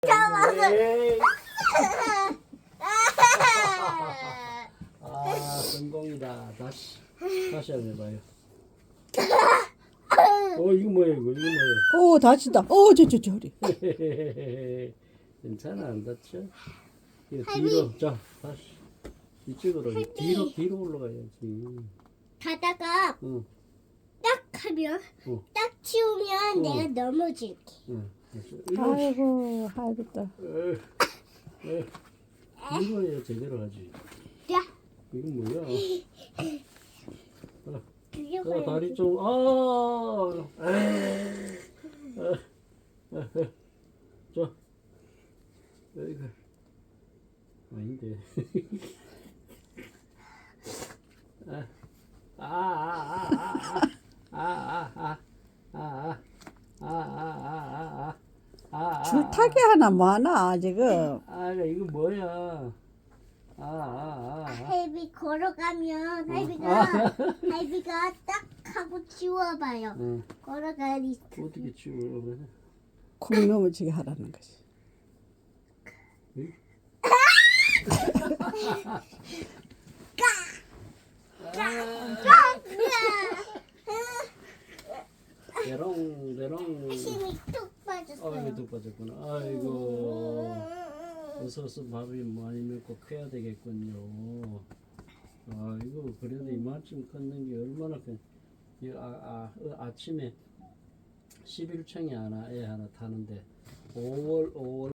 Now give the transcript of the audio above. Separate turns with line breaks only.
에이. 아, 성공이다. 다시 한번 해봐요. 이거 뭐야, 이거 뭐야.
오, 다친다. 저 허리.
괜찮아, 안 다쳐. 이거 뒤로, 자, 다시. 이쪽으로, 뒤로 올라가야지.
가다가
응,
딱 하면
응,
딱 치우면
응.
내가 넘어질게.
응. 이거,
아이고, 아이고다.
이거 해야 제대로 하지.
야,
이건 뭐야?
그게
다리 좀, 자, 이거 아닌데.
줄타기 하나 뭐하나 지금.
이거 뭐야?
할비 걸어가면 할비가 딱 하고 치워봐요.
응.
걸어가야 돼.
어떻게 치워?
콩 넘어지게 하라는 거지.
대롱.
힘이 뚝 빠졌어요.
이거 뚝 빠졌구나. 아이고. 어서 밥이 많이 먹고 커야 되겠군요. 이거 그래도 이만큼 컸는 게 얼마나 아침에 11층에 애 하나 타는데 5월